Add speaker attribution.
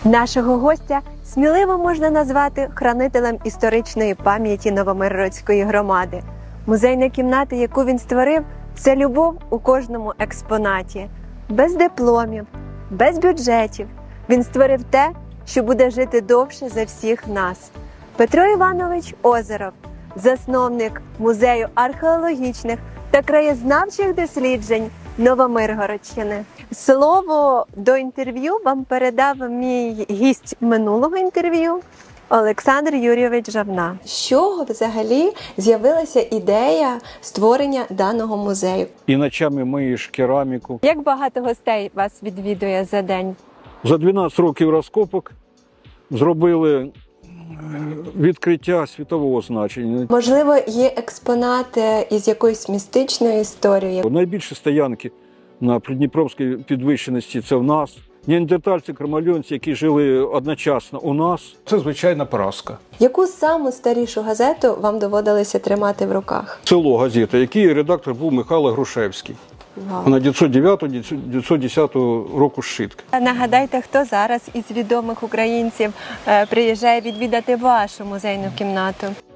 Speaker 1: Нашого гостя сміливо можна назвати хранителем історичної пам'яті Новомиргородської громади. Музейна кімната, яку він створив, це любов у кожному експонаті. Без дипломів, без бюджетів. Він створив те, що буде жити довше за всіх нас. Петро Іванович Озеров, засновник Музею археологічних та краєзнавчих досліджень Новомиргородщини. Слово до інтерв'ю вам передав мій гість минулого інтерв'ю Олександр Юрійович Жавна. З чого взагалі з'явилася ідея створення даного музею?
Speaker 2: І ночами миєш кераміку.
Speaker 1: Як багато гостей вас відвідує за день?
Speaker 2: За 12 років розкопок зробили відкриття світового значення.
Speaker 1: Можливо, є експонати із якоюсь містичною історією?
Speaker 2: Найбільші стоянки на Придніпровській підвищеності – це в нас. Неандертальці, кромальонці, які жили одночасно у нас. Це звичайна поразка.
Speaker 1: Яку саму старішу газету вам доводилося тримати в руках?
Speaker 2: Село газета, який редактор був Михайло Грушевський.
Speaker 1: Вау.
Speaker 2: Вона 909-910 року зшитка.
Speaker 1: Нагадайте, хто зараз із відомих українців приїжджає відвідати вашу музейну кімнату?